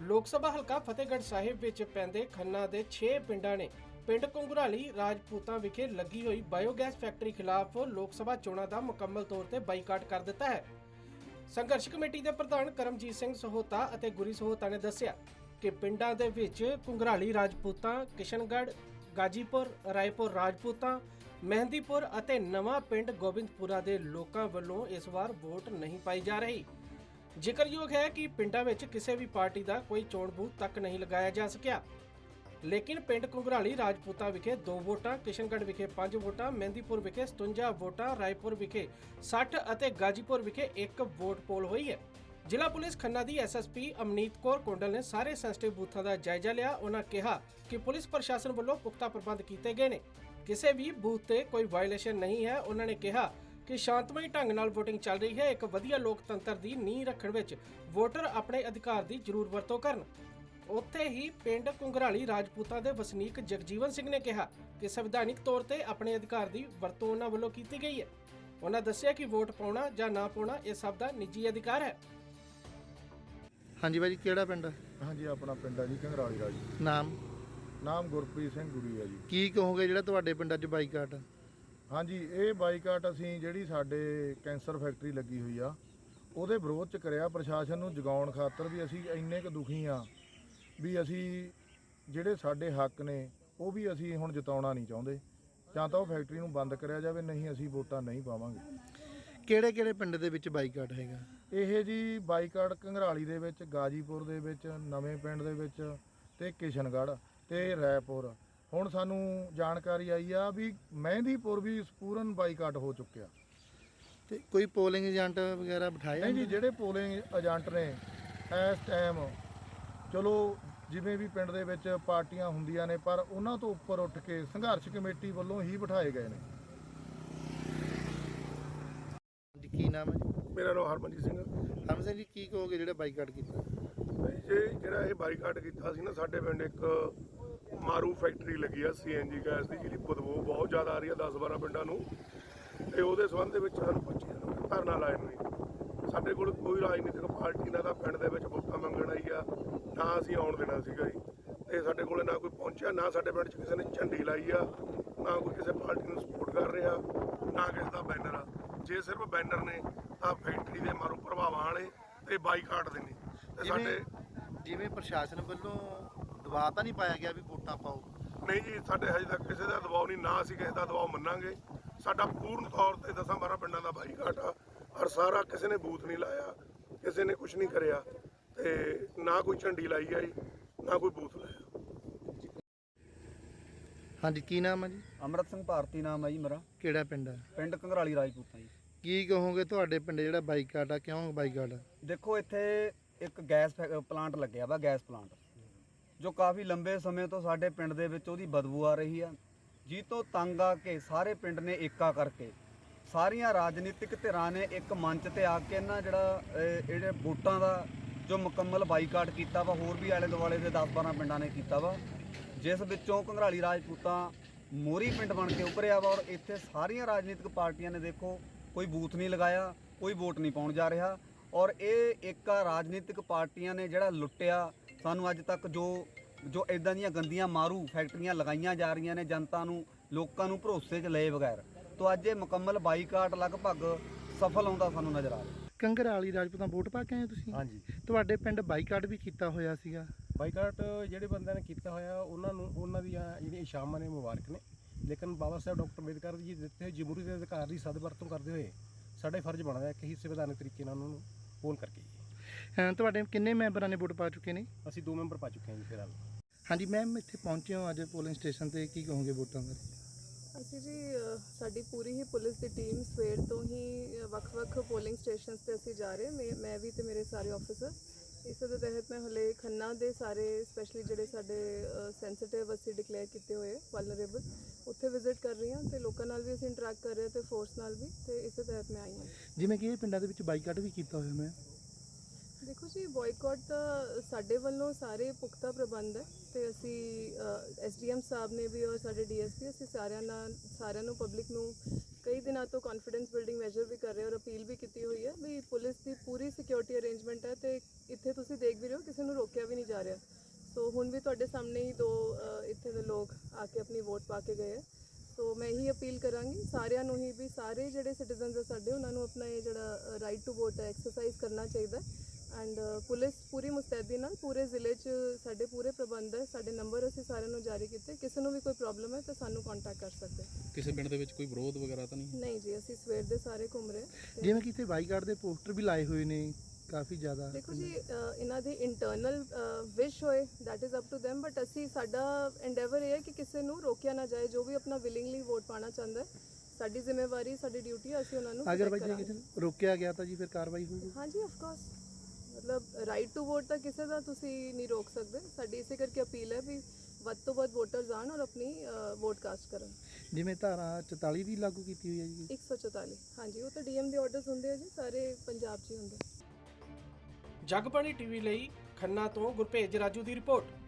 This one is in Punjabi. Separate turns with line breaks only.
ਲੋਕ ਸਭਾ ਹਲਕਾ ਫਤਿਹਗੜ੍ਹ ਸਾਹਿਬ ਵਿੱਚ ਪੈਂਦੇ ਖੰਨਾ ਦੇ 6 ਪਿੰਡਾਂ ਨੇ ਪਿੰਡ ਘੁੰਗਰਾਲੀ ਰਾਜਪੂਤਾਂ ਵਿਖੇ ਲੱਗੀ ਹੋਈ ਬਾਇਓਗੈਸ ਫੈਕਟਰੀ ਖਿਲਾਫ ਲੋਕ ਸਭਾ ਚੋਣਾਂ ਦਾ ਮੁਕੰਮਲ ਤੌਰ ਤੇ ਬਾਈਕਾਟ ਕਰ ਦਿੱਤਾ ਹੈ। ਸੰਘਰਸ਼ ਕਮੇਟੀ ਦੇ ਪ੍ਰਧਾਨ ਕਰਮਜੀਤ ਸਿੰਘ ਸਹੋਤਾ ਅਤੇ ਗੁਰੀ ਸਹੋਤਾ ਨੇ ਦੱਸਿਆ ਕਿ ਪਿੰਡਾਂ ਦੇ ਵਿੱਚ ਘੁੰਗਰਾਲੀ ਰਾਜਪੂਤਾਂ, ਕਿਸ਼ਨਗੜ੍ਹ, ਗਾਜੀਪੁਰ, ਰਾਏਪੁਰ ਰਾਜਪੂਤਾਂ, ਮਹਿੰਦੀਪੁਰ ਅਤੇ ਨਵਾਂ ਪਿੰਡ ਗੋਬਿੰਦਪੁਰਾ ਦੇ ਲੋਕਾਂ ਵੱਲੋਂ ਇਸ ਵਾਰ ਵੋਟ ਨਹੀਂ ਪਾਈ ਜਾ ਰਹੀ। ਜ਼ਿਕਰਯੋਗ ਹੈ ਕਿ ਪਿੰਡਾਂ ਵਿੱਚ ਕਿਸੇ ਵੀ ਪਾਰਟੀ ਦਾ ਕੋਈ ਚੋਣ ਬੂਥ ਤੱਕ ਨਹੀਂ ਲਗਾਇਆ ਜਾ ਸਕਿਆ, ਲੇਕਿਨ ਪਿੰਡ ਘੁੰਗਰਾਲੀ ਰਾਜਪੂਤਾਂ ਵਿਖੇ 2 ਵੋਟਾਂ, ਕਿਸ਼ਨਗੜ੍ਹ ਵਿਖੇ 5 ਵੋਟਾਂ, ਮਹਿੰਦੀਪੁਰ ਵਿਖੇ 57 ਵੋਟਾਂ, ਰਾਏਪੁਰ ਵਿਖੇ 60 ਅਤੇ ਗਾਜੀਪੁਰ ਵਿਖੇ 1 ਵੋਟ ਪੋਲ ਹੋਈ ਹੈ। ਜ਼ਿਲ੍ਹਾ ਪੁਲਿਸ ਖੰਨਾ ਦੀ ਐਸਐਸਪੀ ਅਮਨੀਤ ਕੌਰ ਕੋਂਡਲ ਨੇ ਸਾਰੇ ਸੈਂਸਿਟਿਵ ਬੂਥਾਂ ਦਾ ਜਾਇਜ਼ਾ ਲਿਆ। ਉਹਨਾਂ ਕਿਹਾ ਕਿ ਪੁਲਿਸ ਪ੍ਰਸ਼ਾਸਨ ਵੱਲੋਂ ਪੁਖਤਾ ਪ੍ਰਬੰਧ ਕੀਤੇ ਗਏ ਨੇ, ਕਿਸੇ ਵੀ ਬੂਥ ਤੇ ਕੋਈ ਵਾਇਲੇਸ਼ਨ ਨਹੀਂ ਹੈ। ਉਹਨਾਂ ਨੇ ਕਿਹਾ ਕਿ ਸ਼ਾਂਤਮਈ ਢੰਗ ਨਾਲ VOTING ਚੱਲ ਰਹੀ ਹੈ। ਇੱਕ ਵਧੀਆ ਲੋਕਤੰਤਰ ਦੀ ਨੀਂਹ ਰੱਖਣ ਵਿੱਚ ਵੋਟਰ ਆਪਣੇ ਅਧਿਕਾਰ ਦੀ ਜ਼ਰੂਰ ਵਰਤੋਂ ਕਰਨ। ਉੱਥੇ ਹੀ ਪਿੰਡ ਘੁੰਗਰਾਲੀ ਰਾਜਪੂਤਾਂ ਦੇ ਵਸਨੀਕ ਜਗਜੀਵਨ ਸਿੰਘ ਨੇ ਕਿਹਾ ਕਿ ਸੰਵਿਧਾਨਿਕ ਤੌਰ ਤੇ ਆਪਣੇ ਅਧਿਕਾਰ ਦੀ ਵਰਤੋਂ ਉਹਨਾਂ ਵੱਲੋਂ ਕੀਤੀ ਗਈ ਹੈ। ਉਹਨਾਂ ਦੱਸਿਆ ਕਿ ਵੋਟ ਪਾਉਣਾ ਜਾਂ ਨਾ ਪਾਉਣਾ ਇਹ ਸਭ ਦਾ ਨਿੱਜੀ ਅਧਿਕਾਰ ਹੈ।
ਹਾਂਜੀ ਭਾਜੀ, ਕਿਹੜਾ ਪਿੰਡ?
ਹਾਂਜੀ, ਆਪਣਾ ਪਿੰਡ ਹੈ ਜੀ ਘੰਗਰਾਲੀ ਦਾ ਜੀ। ਨਾਮ ਗੁਰਪ੍ਰੀਤ ਸਿੰਘ ਗੁਰੀ ਹੈ ਜੀ।
ਕੀ ਕਹੋਗੇ ਜਿਹੜਾ ਤੁਹਾਡੇ ਪਿੰਡ 'ਚ ਬਾਈਕਾਟ?
ਹਾਂਜੀ, ਇਹ ਬਾਈਕਾਟ ਅਸੀਂ ਜਿਹੜੀ ਸਾਡੇ ਕੈਂਸਰ ਫੈਕਟਰੀ ਲੱਗੀ ਹੋਈ ਆ ਉਹਦੇ ਵਿਰੋਧ 'ਚ ਕਰਿਆ। ਪ੍ਰਸ਼ਾਸਨ ਨੂੰ ਜਗਾਉਣ ਖਾਤਰ ਵੀ ਅਸੀਂ ਇੰਨੇ ਕੁ ਦੁਖੀ ਆ ਵੀ ਅਸੀਂ ਜਿਹੜੇ ਸਾਡੇ ਹੱਕ ਨੇ ਉਹ ਵੀ ਅਸੀਂ ਹੁਣ ਜਿਤਾਉਣਾ ਨਹੀਂ ਚਾਹੁੰਦੇ। ਜਾਂ ਤਾਂ ਉਹ ਫੈਕਟਰੀ ਨੂੰ ਬੰਦ ਕਰਿਆ ਜਾਵੇ, ਨਹੀਂ ਅਸੀਂ ਵੋਟਾਂ ਨਹੀਂ ਪਾਵਾਂਗੇ।
ਕਿਹੜੇ ਪਿੰਡ ਦੇ ਵਿੱਚ ਬਾਈਕਾਟ ਹੈਗਾ
ਇਹ ਜੀ? ਬਾਈਕਾਟ ਘੰਗਰਾਲੀ ਦੇ ਵਿੱਚ, ਗਾਜੀਪੁਰ ਦੇ ਵਿੱਚ, ਨਵੇਂ ਪਿੰਡ ਦੇ ਵਿੱਚ ਤੇ ਕਿਸ਼ਨਗੜ੍ਹ ਤੇ ਰਾਏਪੁਰ। ਹੁਣ ਸਾਨੂੰ ਜਾਣਕਾਰੀ ਆਈ ਆ ਵੀ ਮਹਿੰਦੀਪੁਰ ਵੀ ਪੂਰਨ ਬਾਈਕਾਟ ਹੋ ਚੁੱਕਿਆ।
ਤੇ ਕੋਈ ਪੋਲਿੰਗ ਏਜੰਟ ਵਗੈਰਾ ਬਿਠਾਇਆ?
ਨਹੀਂ ਜੀ, ਜਿਹੜੇ ਪੋਲਿੰਗ ਏਜੰਟ ਨੇ ਇਸ ਟਾਈਮ ਚਲੋ ਜਿਵੇਂ ਵੀ ਪਿੰਡ ਦੇ ਵਿੱਚ ਪਾਰਟੀਆਂ ਹੁੰਦੀਆਂ ਨੇ, ਪਰ ਉਹਨਾਂ ਤੋਂ ਉੱਪਰ ਉੱਠ ਕੇ ਸੰਘਰਸ਼ ਕਮੇਟੀ ਵੱਲੋਂ ਹੀ ਬਿਠਾਏ ਗਏ ਨੇ।
ਕੀ ਨਾਮ ਹੈ ਜੀ?
ਮੇਰਾ ਨਾਮ ਹਰਮਨਜੀਤ ਸਿੰਘ।
ਹਰਮਨ ਸਿੰਘ ਜੀ, ਕੀ ਕਹੋਗੇ ਜਿਹੜਾ ਬਾਈਕਾਟ ਕੀਤਾ?
ਜਿਹੜਾ ਇਹ ਬਾਈਕਾਟ ਕੀਤਾ ਸੀ ਨਾ, ਸਾਡੇ ਪਿੰਡ ਇੱਕ ਮਾਰੂ ਫੈਕਟਰੀ ਲੱਗੀ ਆ CNG ਗੈਸ ਦੀ, ਜਿਹਦੀ ਬਦਬੂ ਬਹੁਤ ਜ਼ਿਆਦਾ ਆ ਰਹੀ ਆ 10-12 ਪਿੰਡਾਂ ਨੂੰ। ਤੇ ਉਹਦੇ ਸੰਬੰਧ ਦੇ ਵਿੱਚ ਸਾਨੂੰ 25 ਦਿਨ ਧਰਨਾ ਲਾਏ ਨੇ। ਸਾਡੇ ਕੋਲ ਕੋਈ ਰਾਜਨੀਤਿਕ ਪਾਰਟੀ ਨਾ ਤਾਂ ਪਿੰਡ ਦੇ ਵਿੱਚ ਵੋਟਾਂ ਮੰਗਣ ਆਈ ਆ, ਨਾ ਅਸੀਂ ਆਉਣ ਦੇਣਾ ਸੀਗਾ ਜੀ। ਤੇ ਸਾਡੇ ਕੋਲ ਨਾ ਕੋਈ ਪਹੁੰਚਿਆ, ਨਾ ਸਾਡੇ ਪਿੰਡ 'ਚ ਕਿਸੇ ਨੇ ਝੰਡੀ ਲਾਈ ਆ, ਨਾ ਕੋਈ ਕਿਸੇ ਪਾਰਟੀ ਨੂੰ ਸਪੋਰਟ ਕਰ ਰਿਹਾ, ਨਾ ਕਿਸੇ ਦਾ ਬੈਨਰ ਆ। ਜੇ ਸਿਰਫ ਬੈਨਰ ਨੇ ਤਾਂ ਫੈਕਟਰੀ ਦੇ ਮਾਰੂ ਪ੍ਰਭਾਵਾਂ ਵਾਲੇ ਤੇ ਬਾਈਕਾਟ ਦੇ ਨੇ। ਤੇ ਸਾਡੇ
ਜਿਵੇਂ ਪ੍ਰਸ਼ਾਸਨ ਵੱਲੋਂ ਦਬਾਅ ਤਾਂ ਨਹੀਂ ਪਾਇਆ ਗਿਆ ਵੀ ਵੋਟਾਂ ਪਾਓ?
ਨਹੀਂ ਜੀ, ਸਾਡੇ ਹਜੇ ਤੱਕ ਕਿਸੇ ਦਾ ਦਬਾਅ ਨਹੀਂ, ਨਾ ਅਸੀਂ ਕਿਸੇ ਦਾ ਦਬਾਅ ਮੰਨਾਂਗੇ। ਸਾਡਾ ਪੂਰਨ ਤੌਰ ਤੇ 10-12 ਪਿੰਡਾਂ ਦਾ ਬਾਈਕਾਟ ਆ, ਔਰ ਸਾਰਾ ਕਿਸੇ ਨੇ ਬੂਥ ਨਹੀਂ ਲਾਇਆ, ਕਿਸੇ ਨੇ ਕੁਝ ਨਹੀਂ ਕਰਿਆ, ਤੇ ਨਾ ਕੋਈ ਝੰਡੀ ਲਾਈ ਆ ਜੀ, ਨਾ ਕੋਈ ਬੂਥ ਲਾਇਆ।
ਹਾਂਜੀ, ਕੀ ਨਾਮ ਹੈ ਜੀ?
ਅੰਮ੍ਰਿਤ ਸਿੰਘ ਭਾਰਤੀ ਨਾਮ ਹੈ ਜੀ ਮੇਰਾ।
ਕਿਹੜਾ ਪਿੰਡ ਹੈ?
ਪਿੰਡ ਘੰਗਰਾਲੀ ਰਾਜਪੂਤਾਂ ਜੀ।
ਕੀ ਕਹੋਗੇ ਤੁਹਾਡੇ ਪਿੰਡ ਜਿਹੜਾ ਬਾਈਕਾਟ ਆ, ਕਿਉਂ ਬਾਈਕਾਟ ਆ?
ਦੇਖੋ, ਇੱਥੇ ਇੱਕ ਗੈਸ ਪਲਾਂਟ ਲੱਗਿਆ ਵਾ, ਗੈਸ ਪਲਾਂਟ, ਜੋ ਕਾਫੀ ਲੰਬੇ ਸਮੇਂ ਤੋਂ ਸਾਡੇ ਪਿੰਡ ਦੇ ਵਿੱਚ ਉਹਦੀ ਬਦਬੂ ਆ ਰਹੀ ਆ। ਜੀ ਤੋਂ ਤੰਗ ਆ ਕੇ ਸਾਰੇ ਪਿੰਡ ਨੇ ਏਕਾ ਕਰਕੇ, ਸਾਰੀਆਂ ਰਾਜਨੀਤਿਕ ਧਿਰਾਂ ਨੇ ਇੱਕ ਮੰਚ ਤੇ ਆ ਕੇ ਇਹਨਾਂ ਜਿਹੜੇ ਵੋਟਾਂ ਦਾ ਜੋ ਮੁਕੰਮਲ ਬਾਈਕਾਟ ਕੀਤਾ ਵਾ, ਹੋਰ ਵੀ ਆਲੇ ਦੁਆਲੇ ਦੇ 10-12 ਪਿੰਡਾਂ ਨੇ ਕੀਤਾ ਵਾ, ਜਿਸ ਵਿੱਚੋਂ ਘੰਗਰਾਲੀ ਰਾਜਪੂਤਾਂ ਮੋਹਰੀ ਪਿੰਡ ਬਣ ਕੇ ਉੱਭਰਿਆ ਵਾ। ਔਰ ਇੱਥੇ ਸਾਰੀਆਂ ਰਾਜਨੀਤਿਕ ਪਾਰਟੀਆਂ ਨੇ ਦੇਖੋ ਕੋਈ ਬੂਥ ਨਹੀਂ ਲਗਾਇਆ, ਕੋਈ ਵੋਟ ਨਹੀਂ ਪਾਉਣ ਜਾ ਰਿਹਾ। ਔਰ ਇਹ ਇੱਕ ਰਾਜਨੀਤਿਕ ਪਾਰਟੀਆਂ ਨੇ ਜਿਹੜਾ ਲੁੱਟਿਆ ਸਾਨੂੰ ਅੱਜ ਤੱਕ, ਜੋ ਇਦਾਂ ਦੀਆਂ ਗੰਦੀਆਂ ਮਾਰੂ ਫੈਕਟਰੀਆਂ ਲਗਾਈਆਂ ਜਾ ਰਹੀਆਂ ਨੇ ਜਨਤਾ ਨੂੰ, ਲੋਕਾਂ ਨੂੰ ਭਰੋਸੇ 'ਚ ਲਏ ਬਗੈਰ। ਤੋਂ ਅੱਜ ਇਹ ਮੁਕੰਮਲ ਬਾਈਕਾਟ ਲਗਭਗ ਸਫਲ ਹੁੰਦਾ ਸਾਨੂੰ ਨਜ਼ਰ ਆ ਰਿਹਾ।
ਘੰਗਰਾਲੀ ਰਾਜਪੂਤਾਂ ਵੋਟ ਪਾ ਕੇ ਆਏ ਤੁਸੀਂ?
ਹਾਂਜੀ,
ਤੁਹਾਡੇ ਪਿੰਡ ਬਾਈਕਾਟ ਵੀ ਕੀਤਾ ਹੋਇਆ ਸੀਗਾ?
ਬਾਈਕਾਟ ਜਿਹੜੇ ਬੰਦਿਆਂ ਨੇ ਕੀਤਾ ਹੋਇਆ ਉਹਨਾਂ ਦੀਆਂ ਜਿਹੜੀਆਂ ਇਸ਼ਾਮਾਂ ਨੇ ਮੁਬਾਰਕ ਨੇ, ਲੇਕਿਨ ਬਾਬਾ ਸਾਹਿਬ ਡਾਕਟਰ ਅੰਬੇਦਕਰ ਜੀ ਦਿੱਤੇ ਹੋਏ ਜਮਹੂਰੀ ਦੇ ਅਧਿਕਾਰ ਦੀ ਸਦਵਰਤੋਂ ਕਰਦੇ ਹੋਏ ਸਾਡਾ ਫਰਜ਼ ਬਣਦਾ ਕਿ ਹੀ ਸੰਵਿਧਾਨਕ ਤਰੀਕੇ ਨਾਲ ਉਹਨਾਂ ਨੂੰ ਪੋਲ ਕਰਕੇ।
ਤੁਹਾਡੇ ਕਿੰਨੇ ਮੈਂਬਰਾਂ ਨੇ ਵੋਟ ਪਾ ਚੁੱਕੇ ਨੇ?
ਅਸੀਂ 2 ਮੈਂਬਰ ਪਾ ਚੁੱਕੇ ਹਾਂ ਜੀ ਫਿਲਹਾਲ।
ਹਾਂਜੀ ਮੈਮ, ਇੱਥੇ ਪਹੁੰਚੇ ਹੋ ਅੱਜ ਪੋਲਿੰਗ ਸਟੇਸ਼ਨ ਤੇ, ਕੀ ਕਹੋਗੇ ਵੋਟਾਂ ਬਾਰੇ?
ਅਸੀਂ ਜੀ ਸਾਡੀ ਪੂਰੀ ਹੀ ਪੁਲਿਸ ਦੀ ਟੀਮ ਸਵੇਰ ਤੋਂ ਹੀ ਵੱਖ-ਵੱਖ ਪੋਲਿੰਗ ਸਟੇਸ਼ਨਸ ਤੇ ਅਸੀਂ ਜਾ ਰਹੇ, ਮੈਂ ਵੀ ਤੇ ਮੇਰੇ ਸਾਰੇ ਆਫੀਸਰ। ਇਸ ਦੇ ਤਹਿਤ ਮੈਂ ਹਲੇ ਖੰਨਾ ਦੇ ਸਾਰੇ ਸਪੈਸ਼ਲੀ ਜਿਹੜੇ ਸਾਡੇ ਸੈਂਸਿਟਿਵ ਅਸੀਂ ਡਿਕਲੇਅਰ ਕੀਤੇ ਹੋਏ ਵਲਨਰੇਬਲ, ਉੱਥੇ ਵਿਜ਼ਿਟ ਕਰ ਰਹੀ ਹਾਂ ਤੇ ਲੋਕਾਂ ਨਾਲ ਵੀ ਅਸੀਂ ਇੰਟਰੈਕਟ ਕਰ ਰਹੇ ਤੇ ਫੋਰਸ ਨਾਲ ਵੀ, ਤੇ ਇਸ ਦੇ ਤਹਿਤ ਮੈਂ ਆਈ ਹਾਂ।
ਜਿਵੇਂ ਕਿ ਇਹ ਪਿੰਡਾਂ ਦੇ ਵਿੱਚ ਬਾਈਕਾਟ ਵੀ ਕੀਤਾ ਹੋਇਆ ਮੈਂ
ਦੇਖੋ ਜੀ, ਬਾਈਕਾਟ ਦਾ ਸਾਡੇ ਵੱਲੋਂ ਸਾਰੇ ਪੁਖਤਾ ਪ੍ਰਬੰਧ ਹੈ ਤੇ ਅਸੀਂ SDM ਸਾਹਿਬ ਨੇ ਵੀ ਔਰ ਸਾਡੇ DSP ਅਸੀਂ ਸਾਰਿਆਂ ਨੂੰ ਪਬਲਿਕ ਨੂੰ ਕਈ ਦਿਨਾਂ ਤੋਂ ਕੌਨਫੀਡੈਂਸ ਬਿਲਡਿੰਗ ਮੈਜਰ ਵੀ ਕਰ ਰਹੇ ਔਰ ਅਪੀਲ ਵੀ ਕੀਤੀ ਹੋਈ ਹੈ ਵੀ ਪੁਲਿਸ ਦੀ ਪੂਰੀ ਸਿਕਿਉਰਿਟੀ ਅਰੇਂਜਮੈਂਟ ਹੈ ਤੇ ਇੱਥੇ ਤੁਸੀਂ ਦੇਖ ਵੀ ਰਹੇ ਹੋ ਕਿਸੇ ਨੂੰ ਰੋਕਿਆ ਵੀ ਨਹੀਂ ਜਾ ਰਿਹਾ। ਸਾਡੇ ਸਾਹਮਣੇ ਹੀ ਦੋ ਇੱਥੇ ਦੇ ਲੋਕ ਆ ਕੇ ਆਪਣੀ ਵੋਟ ਪਾ ਕੇ ਗਏ ਹੈ। ਸੋ ਮੈਂ ਇਹੀ ਅਪੀਲ ਕਰਾਂਗੀ ਸਾਰਿਆਂ ਨੂੰ ਹੀ ਵੀ ਸਾਰੇ ਜਿਹੜੇ ਸਿਟੀਜ਼ਨਸ ਆ ਸਾਡੇ ਉਹਨਾਂ ਨੂੰ ਆਪਣਾ ਇਹ ਜਿਹੜਾ ਰਾਈਟ ਟੂ ਵੋਟ ਹੈ ਐਕਸਰਸਾਈਜ਼ ਕਰਨਾ ਚਾਹੀਦਾ ਐਂਡ ਪੁਲਿਸ ਪੂਰੀ ਮੁਸਤੈਦੀ ਨਾਲ ਪੂਰੇ ਜ਼ਿਲ੍ਹੇ 'ਚ ਸਾਡੇ ਪੂਰੇ ਪ੍ਰਬੰਧ ਹੈ। ਸਾਡੇ ਨੰਬਰ ਅਸੀਂ ਸਾਰਿਆਂ ਨੂੰ ਜਾਰੀ ਕੀਤੇ, ਕਿਸੇ ਨੂੰ ਵੀ ਕੋਈ ਪ੍ਰੋਬਲਮ ਹੈ ਤਾਂ ਸਾਨੂੰ ਕੰਟੈਕਟ ਕਰ ਸਕਦੇ।
ਕਿਸੇ ਪਿੰਡ ਦੇ ਵਿੱਚ ਕੋਈ ਵਿਰੋਧ ਵਗੈਰਾ ਤਾਂ ਨਹੀਂ?
ਨਹੀਂ ਜੀ, ਅਸੀਂ ਸਵੇਰ ਦੇ ਸਾਰੇ ਘੁੰਮ ਰਹੇ ਤੇ
ਜਿਵੇਂ ਕਿ ਇੱਥੇ ਬਾਈਕਾਟ ਦੇ ਪੋਸਟਰ ਵੀ ਲਾਏ ਹੋਏ ਨੇ ਕਾਫੀ ਜ਼ਿਆਦਾ।
ਦੇਖੋ ਜੀ ਇਹਨਾਂ ਦੀ ਇੰਟਰਨਲ ਵਿਸ਼ ਹੋਏ that is up to them, but ਅਸੀਂ ਸਾਡਾ ਐਂਡੇਵਰ ਇਹ ਹੈ ਕਿ ਕਿਸੇ ਨੂੰ ਰੋਕਿਆ ਨਾ ਜਾਏ। ਜੋ ਵੀ ਆਪਣਾ ਵਿਲਿੰਗਲੀ ਵੋਟ ਪਾਣਾ ਚਾਹੁੰਦਾ ਹੈ, ਸਾਡੀ ਜ਼ਿੰਮੇਵਾਰੀ ਸਾਡੀ ਡਿਊਟੀ ਹੈ, ਅਸੀਂ ਉਹਨਾਂ ਨੂੰ
ਅਗਰ
protect
ਬਾਈ ਜੇ
ਕਰਾਂਗੇ।
ਕਿਸੇ ਨੂੰ ਰੋਕਿਆ ਗਿਆ ਤਾਂ ਜੀ ਫਿਰ ਕਾਰਵਾਈ ਹੋਊਗੀ?
ਹਾਂਜੀ ਆਫ ਕੋਰਸ, ਮਤਲਬ ਰਾਈਟ ਟੂ ਵੋਟ ਤਾਂ ਕਿਸੇ ਦਾ ਤੁਸੀਂ ਨਹੀਂ ਰੋਕ ਸਕਦੇ। ਸਾਡੀ ਇਸੇ ਕਰਕੇ ਅਪੀਲ ਹੈ ਵੀ ਵੱਧ ਤੋਂ ਵੱਧ ਵੋਟਰਸ ਆਣ ਔਰ ਆਪਣੀ ਵੋਟ ਕਾਸਟ ਕਰਨ।
ਜਿਵੇਂ ਧਾਰਾ 44 ਦੀ ਲਾਗੂ ਕੀਤੀ ਹੋਈ ਹੈ ਜੀ।
144 ਹਾਂਜੀ, ਉਹ ਤਾਂ ਡੀਐਮ ਦੇ ਆਰਡਰਸ ਹੁੰਦੇ ਆ ਜੀ, ਸਾਰੇ ਪੰਜਾਬ 'ਚ ਹੀ ਹੁੰਦੇ।
ਜਗਬਾਣੀ ਟੀਵੀ ਲਈ ਖੰਨਾ ਤੋਂ ਗੁਰਭੇਜ ਰਾਜੂ ਦੀ ਰਿਪੋਰਟ।